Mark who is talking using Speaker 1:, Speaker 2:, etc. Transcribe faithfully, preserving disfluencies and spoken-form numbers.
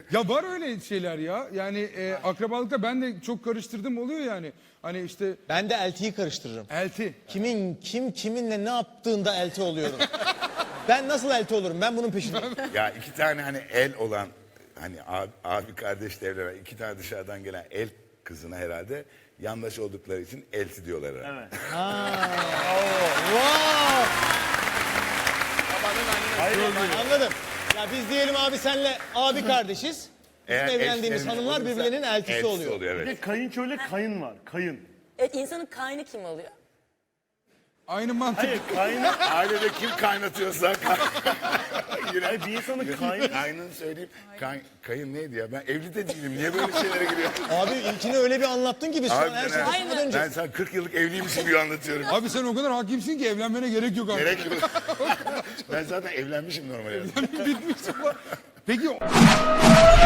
Speaker 1: Ya var öyle şeyler ya. Yani e, akrabalıkta ben de çok karıştırdım oluyor yani. Hani işte
Speaker 2: Ben de eltiyi karıştırırım.
Speaker 1: elti.
Speaker 2: Kimin kim kiminle ne yaptığında elti oluyorum. Ben nasıl elti olurum? Ben bunun peşindeyim.
Speaker 3: Ya iki tane hani el olan hani abi, abi kardeş evlenen iki tane dışarıdan gelen el kızına herhalde yandaş oldukları için elti diyorlar herhalde.
Speaker 4: Evet.
Speaker 2: Wow!
Speaker 4: Hayır,
Speaker 2: Anladım. Ya biz diyelim abi senle abi kardeşiz. Bizim
Speaker 3: Eğer
Speaker 2: evlendiğimiz
Speaker 3: eşlerimiz
Speaker 2: hanımlar
Speaker 3: olursa
Speaker 2: birbirlerinin eltisi, oluyor.
Speaker 3: oluyor
Speaker 4: Bir
Speaker 3: evet.
Speaker 4: de kayınço ile kayın var. Kayın.
Speaker 5: Evet, insanın kaynı kim oluyor?
Speaker 1: Aynı mantık.
Speaker 4: Hayır kayın.
Speaker 3: Ailede kim kaynatıyorsa kay... Yine
Speaker 4: Hayır bir insanın kayın.
Speaker 3: kaynını söyleyeyim. Kay... Kayın neydi ya? Ben evli de değilim. Niye böyle şeylere giriyorum?
Speaker 2: Abi ilkini öyle bir anlattın ki biz şu an her
Speaker 3: Harbiden
Speaker 2: şeyden
Speaker 3: ha.
Speaker 2: çıkmadan önce.
Speaker 3: Ben sana kırk yıllık evliymişim gibi anlatıyorum.
Speaker 1: Abi sen o kadar hakimsin ki evlenmene gerek yok artık.
Speaker 3: Gerek yok. Ben zaten evlenmişim normal evde.
Speaker 1: Bitmiş ama. Peki